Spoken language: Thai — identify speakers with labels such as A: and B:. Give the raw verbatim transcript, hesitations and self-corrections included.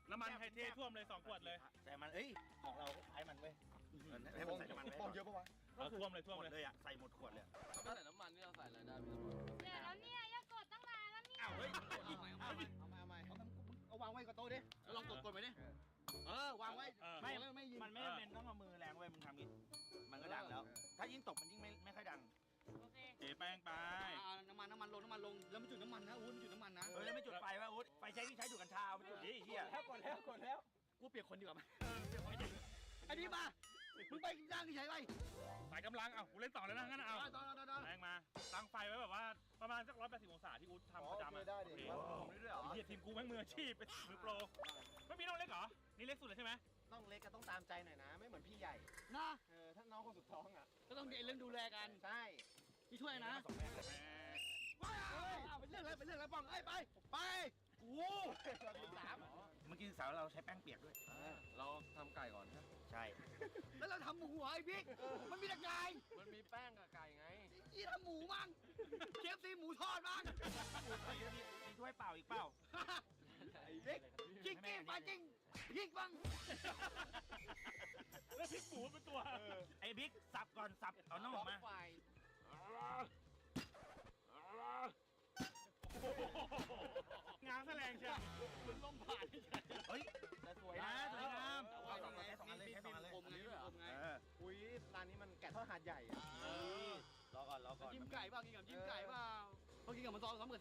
A: น้ำมันไฮเทท่วมเลยสองขวดเลย
B: ใส่มันเอ้ยของเราใช้มันเว้ยให้มันใส่น้ำมันไว้
C: ฟองเยอะปะวะ
A: เออท่วมเลยท่วม
B: หมด
A: เลย
B: เลยอ่ะใส่หมดขวดเลย
D: ถ้าไม่ใส่น้ำมันนี่เราใส่อะไรได้พี่ตำรวจ
E: เสร็จแล้วเนี่ยอย่ากดตั้งนานแล้วเนี่ย
B: อ้าวเฮ้ย
D: เอาใหม่เอาใหม่
C: เอามาเอามาเอาเอาวางไว้กับโต๊ะดิ
D: แล้วลองกดกดไปดิ
C: เออวางไว้
B: ไม่
C: แล้วไม่ยิง
B: มันไม่จำเป็นต้องเอามือแรงเว้ยมึงทำงี้มันก็ดังแล้ว ถ้ายิ่งตกมันยิ่งไม่ไม่ค่อยดัง
E: โอเค
A: เทแป้งไป
C: อ่าน้ำมันน้ำมันลงน้ำมันลงแล้วไม่จุดน้ำมันนะอุ้ยไม่จุดน้ำมันนะ
B: เออแล้วไม่จุดไฟวะอุ๊ดไฟใช้ที่ใช้ดูดกัญชาเอาไปจุดดิไอ้เหี้ย
C: แล้วกดแล้วกดแล้วกูเปลี่ยนคนดีกว่าไหมไอ้นี่มามึงไปย่างที่ไหนไป
A: สายกำลังเอากูเล่นต่อเลยนะงั้นเอา
C: ตอนตอนตอน
A: แรงมาตั้งไฟไว้แบบว่าประมาณสักร้อยแปดสิบองศาที่อุ๊ดทำประจำอ่ะได้ดิผมด้วยเหรอไอ้เหี้ยทีมกูแม่งมืออาชีพเป็นมือโปรไม่มีน้องเล็กเหรอนี่เล็กสุดเลยใช่ไหม
F: ต้องเล็กก็ต้องตามใจหน่อยนะ ไม่เหมือนพี่ใหญ่
C: นะ
F: เออถ้าน้องคนสุดท้องอ่ะ
C: ก็ต้องเรื่องดูแลกัน
F: ใช่
C: พี่ช่วยนะว้าวเป็นเรื่องอะไรเป็นเรื่องอะไรป้องเอ้ยไปไปโอ้
F: เราเป็นสาม
B: เมื่อกี้สาวเราใช้แป้งเปียกด้วย
D: เราทำไก่ก่อนนะ
B: ใช่
C: แล้วเราทำหมูเหรอไอ้บิ๊กมันมีแต่ไก่
D: มันมีแป้งกับไก่ไง
C: ยี่ทำหมูมั่งเคฟซีหมูทอดมั่ง
B: มีมีถ้วยเปล่าอีกเปล่า
C: ไอ้บิ๊กจิกกิ้งไปจริงยิงบ้าง
A: แล้วพริกหมูเป็นตัว
B: ไอ้บิ๊กสับก่อนสับเอาน้องออกมา
D: ไฟ
A: งานแสลงเชียว
C: มันลมผ่าน
B: เฮ้ย
F: แต่สวย
B: นะ
F: นะ
B: สวยงาม
C: แต่
B: เอา
C: ว่า
B: สองอันเลยสองอันเลยแค่สองอันเลย
C: คมไงคมไง
B: เออ
F: อุ้ยร้านนี้มันแกะทอดหาดใหญ่อะ
B: รอก่อนรอก่อน
C: จิ้มไก่เปล่ากินกับจิ้มไก่เปล่าพอกินกับมันซอสซ้อมกับ